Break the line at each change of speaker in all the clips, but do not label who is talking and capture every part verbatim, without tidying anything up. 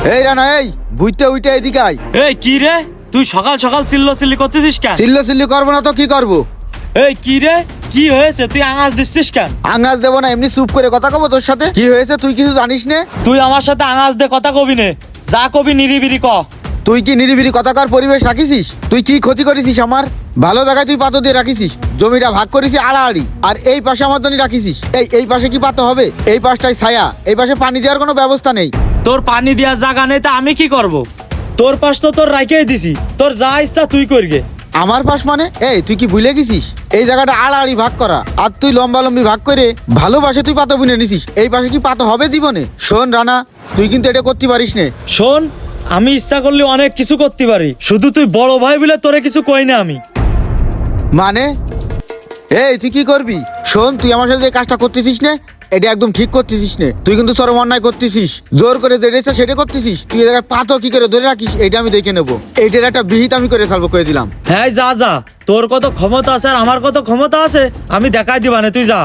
এই রানা, এই বুঝতে উইটা এদিকে আয়।
এই কি রে, তুই সকাল সকাল চিল্লো চিল্লি করতেছিস কেন?
চিল্লো চিল্লি করবো না তো কি করবো?
এই কি রে, কি হয়েছে? তুই আঙাজ দিচ্ছিস কেন?
আঙ্গাজ দেবো না, এমনি চুপ করে কথা কব তোর সাথে। কি হয়েছে তুই কিছু জানিস নে?
তুই আমার সাথে আঙাজ দে কথা কবি নে, যা কবি নিরিবিরি ক।
তুই কি নিরিবিরি কথাকার পরিবেশ রাখিছিস? তুই কি ক্ষতি করেছিস আমার? ভালো জায়গায় তুই পাতো দিয়ে রাখিছিস, জমিটা ভাগ করেছিস আড়াআড়ি, আর এই পাশে আমার জন্য রাখিছিস। এই এই পাশে কি পাতো হবে? এই পাশটাই ছায়া, এই পাশে পানি দেওয়ার কোনো ব্যবস্থা নেই।
তোর পানি দেওয়ার জায়গা নেই, তা আমি কি করব? তোর পাশ তো তোর রাইখেই দিছি, তোর যা ইচ্ছা তুই করগে।
আমার পাশ মানে? এই তুই কি ভুলে গেছিস এই জায়গাটা আড়াআড়ি ভাগ করা, আর তুই লম্বা লম্বি ভাগ করে ভালোবাসে তুই পাতো বুনে নিছিস। এই পাশে কি পাতো হবে জীবনে? শোন রানা, তুই কিন্তু এটা করতে পারিস নে।
শোন, আমি ইচ্ছা করলে অনেক কিছু করতে পারি, শুধু তুই বড় ভাই বলে তোরে কিছু কই না আমি।
মানে এই তুই কি করবি? শোন, তুই আমার সাথে এই কাজটা করতেছিস না, এটা একদম ঠিক করতেছিস না। তুই কিন্তু চরম অন্যায় করতেছিস, জোর করে যেটা ইচ্ছা সেটা করতেছিস। তুই এই জায়গায় পাতো কি করে ধরে রাখিস এটা আমি দেখে নেবো। এইটার একটা বিহিত আমি করে ফেলবো, করে দিলাম।
হ্যাঁ যা যা, তোর কত ক্ষমতা আছে আর আমার কত ক্ষমতা আছে আমি দেখাই দিবা না, তুই যা।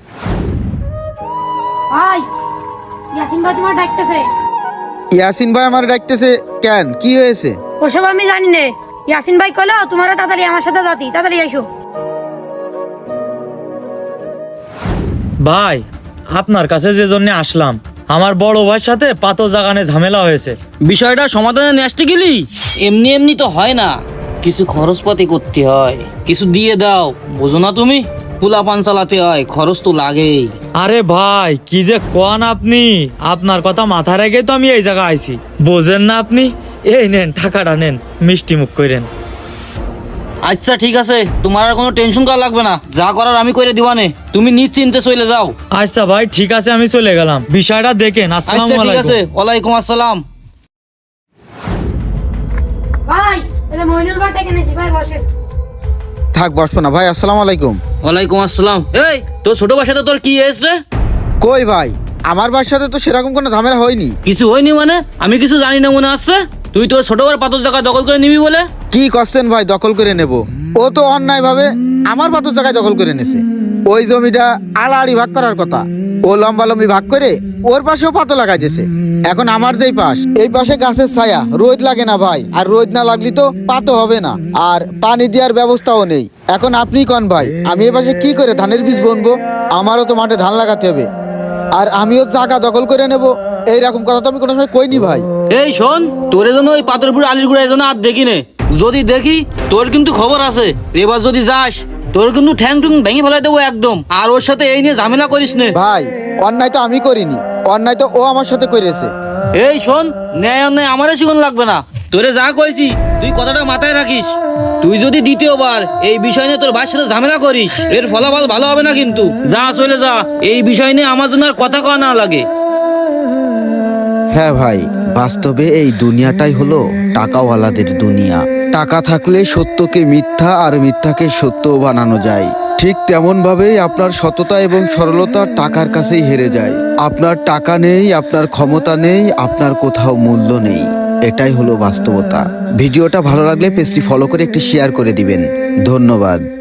ভাই, ইয়াসিন ভাই তোমার ডাকতেছে।
ইয়াসিন ভাই আমার ডাকতেছে কেন? কি হয়েছে?
ওসব আমি জানি না। ইয়াসিন ভাই কইলো তোমার তাড়াতাড়ি আমার সাথে যাতি, তাড়াতাড়ি আইসো।
ভাই, আপনার কাছে যে জন্য আসলাম, আমার বড় ভাইয়ের সাথে পাতো জাগানে ঝামেলা হয়েছে।
বিষয়টা সমাধানে নিয়ে আসতে গেলি এমনি এমনি তো হয় না, কিছু খরচপাতি করতে হয়, কিছু দিয়ে দাও, বোঝো না তুমি? পোলা পান চালাতে হয়, খরচ তো লাগেই।
আরে ভাই, কি যে কোন আপনি, আপনার কথা মাথায় রেখে তো আমি এই জায়গায় আইছি, বোঝেন না আপনি? এই নেন টাকাটা, নেন, মিষ্টি মুখ করেন।
আচ্ছা ঠিক আছে, তোমার আর কোনো টেনশন করা লাগবে না, যা করার আমি করে দিবানে, তুমি নিশ্চিন্তে চলে যাও।
আচ্ছা ভাই ঠিক আছে, আমি চলে গেলাম, বিষয়টা দেখেন। আসসালামু
আচ্ছা ঠিক আছে,
আলাইকুম।
ওয়ালাইকুম আসসালাম।
ভাই, এটা মইনুল ভাই ডেকে নিয়েছি, ভাই বসেন।
থাক, বসবো না ভাই। আসসালামু আলাইকুম।
ওয়ালাইকুম আসসালাম। এই তোর ছোট ভাইয়ের সাথে তোর কি হয়েছে রে?
কই ভাই, আমার বাসার সাথে তো সেরকম কোনো ঝামেলা হয়নি।
কিছু হয়নি মানে? আমি কিছু জানি না মনে আসছে। তুই তোর ছোট ভাইয়ের পাথর জায়গা দখল করে নিবি বলে?
কি করছেন ভাই? দখল করে নেব? ও তো অন্যায় ভাবে আমার পাতো জায়গায় দখল করে নেছে। ওই জমিটা আড়াআড়ি ভাগ করার কথা, ও লম্বা লম্বি ভাগ করে ওর পাশেও পাতো লাগাইতেছে। এখন আমার যেই পাশ, এই পাশে গাছের ছায়া, রোদ লাগে না ভাই, আর রোদ না লাগলে তো পাতো হবে না, আর পানি দেওয়ার ব্যবস্থাও নেই। এখন আপনি কোন ভাই, আমি এই পাশে কি করে ধানের বীজ বুনবো? আমারও তো মাঠে ধান লাগাতে হবে, আর আমিও জায়গা দখল করে নেব, এইরকম কথা তো আমি কোনো সময় কইনি ভাই।
এই শোন, তোরে যেন ওই পাথরপুর আলির গুড়ায় যেন আর দেখি নে, যদি দেখি তোর কিন্তু খবর আছে। এবার যদি যাস তোর কিন্তু ঠ্যাং টুং ভেঙে ফেলাই দেবো একদম। আর ওর সাথে এই নিয়ে ঝামেলা করিস নে
ভাই, অন্যায় তো আমি করিনি, অন্যায় তো ও আমার সাথে করেছে।
এই শোন, ন্যায় অন্যায় আমারে শিখন লাগবে না, তোরে যা কইছি তুই কথাটা মাথায় রাখিস। তুই যদি দ্বিতীয়বার এই বিষয় নিয়ে তোর ভাইয়ের সাথে ঝামেলা করিস, এর ফলাফল ভালো হবে না কিন্তু। যা, চলে যা, এই বিষয় নিয়ে আমার জন্য আর কথা কওয়া না লাগে।
হ্যাঁ ভাই, বাস্তবে এই দুনিয়াটাই হলো টাকাওয়ালাদের দুনিয়া। টাকা থাকলে সত্যকে মিথ্যা আর মিথ্যাকে সত্য বানানো যায়। ঠিক তেমন ভাবেই আপনার সততা এবং সরলতা টাকার কাছেই হেরে যায়। আপনার টাকা নেই, আপনার ক্ষমতা নেই, আপনার কোথাও মূল্য নেই। এটাই হলো বাস্তবতা। ভিডিওটা ভালো লাগলে পেজটি ফলো করে একটি শেয়ার করে দিবেন। ধন্যবাদ।